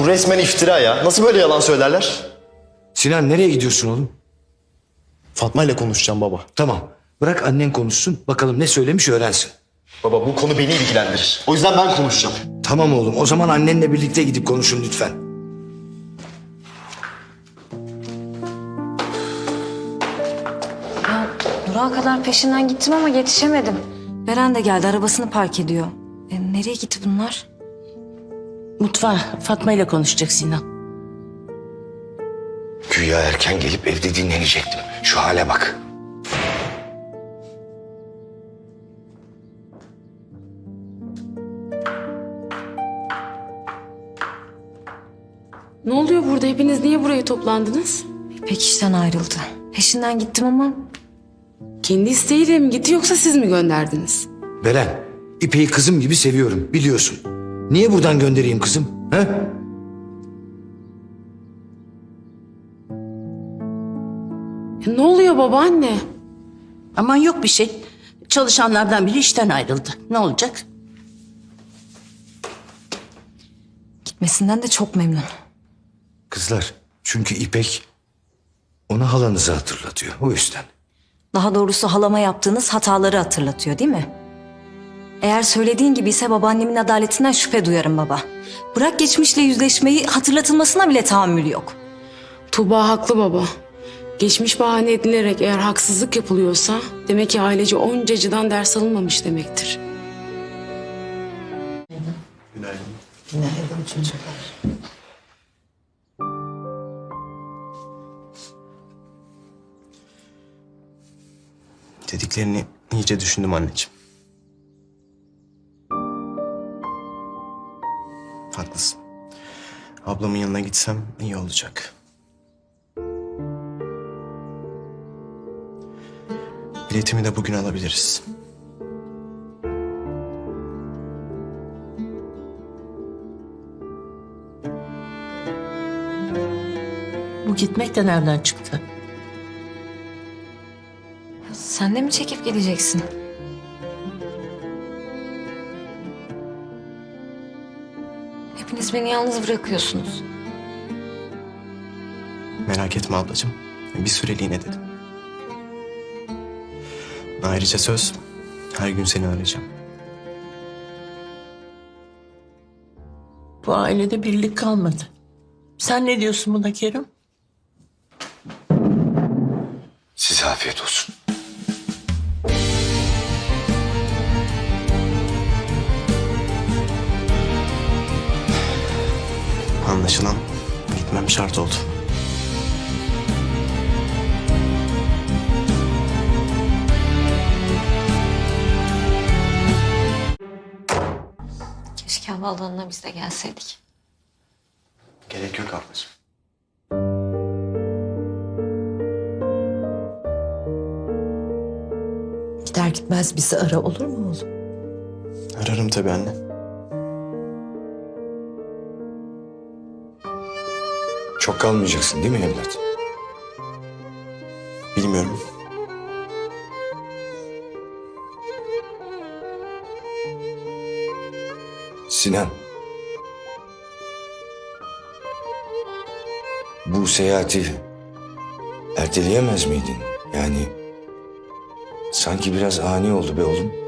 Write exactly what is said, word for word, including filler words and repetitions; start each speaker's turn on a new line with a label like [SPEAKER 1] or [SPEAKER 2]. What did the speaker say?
[SPEAKER 1] bu resmen iftira ya. Nasıl böyle yalan söylerler?
[SPEAKER 2] Sinan nereye gidiyorsun oğlum?
[SPEAKER 1] Fatma ile konuşacağım baba.
[SPEAKER 2] Tamam. Bırak annen konuşsun. Bakalım ne söylemiş öğrensin.
[SPEAKER 1] Baba bu konu beni ilgilendirir. O yüzden ben konuşacağım.
[SPEAKER 2] Tamam oğlum. O zaman annenle birlikte gidip konuşun lütfen.
[SPEAKER 3] Ya Burak'a kadar peşinden gittim ama yetişemedim. Beren de geldi, arabasını park ediyor. E, nereye gitti bunlar?
[SPEAKER 4] Mutfağa Fatma ile konuşacak Sinan.
[SPEAKER 2] Güya erken gelip evde dinlenecektim. Şu hale bak.
[SPEAKER 5] Ne oluyor burada? Hepiniz niye buraya toplandınız?
[SPEAKER 3] İpek işten ayrıldı. Peşinden gittim ama
[SPEAKER 5] Kendi isteğiyle mi gitti yoksa siz mi gönderdiniz?
[SPEAKER 2] Beren, İpek'i kızım gibi seviyorum biliyorsun. Niye buradan göndereyim kızım? He?
[SPEAKER 5] Ya ne oluyor babaanne?
[SPEAKER 4] Aman yok bir şey. Çalışanlardan biri işten ayrıldı. Ne olacak?
[SPEAKER 3] gitmesinden de çok memnun.
[SPEAKER 2] Kızlar, çünkü İpek ona halanızı hatırlatıyor. O yüzden.
[SPEAKER 3] Daha doğrusu halama yaptığınız hataları hatırlatıyor değil mi? Eğer söylediğin gibi ise babaannemin adaletinden şüphe duyarım baba. Bırak geçmişle yüzleşmeyi, hatırlatılmasına bile tahammül yok.
[SPEAKER 5] Tuğba haklı baba. Geçmiş bahane edilerek eğer haksızlık yapılıyorsa demek ki ailece onca acıdan ders alınmamış demektir.
[SPEAKER 1] Dediklerini iyice düşündüm anneciğim. Haklısın. Ablamın yanına gitsem iyi olacak. Biletimi de bugün alabiliriz.
[SPEAKER 4] Bu gitmek de nereden çıktı?
[SPEAKER 3] Sen de mi çekip gideceksin? Hepiniz beni yalnız bırakıyorsunuz.
[SPEAKER 1] Merak etme ablacığım. Bir süreliğine dedim. Ayrıca söz, her gün seni arayacağım.
[SPEAKER 4] Bu ailede birlik kalmadı. Sen ne diyorsun buna Kerim?
[SPEAKER 2] Size afiyet olsun.
[SPEAKER 1] Anlaşılan gitmem şart oldu.
[SPEAKER 3] Keşke havaalanına biz de gelseydik.
[SPEAKER 1] Gerek yok ablacığım.
[SPEAKER 6] Gider gitmez bizi ara, olur mu oğlum?
[SPEAKER 1] Ararım tabii anne.
[SPEAKER 2] Çok kalmayacaksın değil mi evlat?
[SPEAKER 1] Bilmiyorum.
[SPEAKER 2] Sinan. Bu seyahati erteleyemez miydin? Yani sanki biraz ani oldu be oğlum.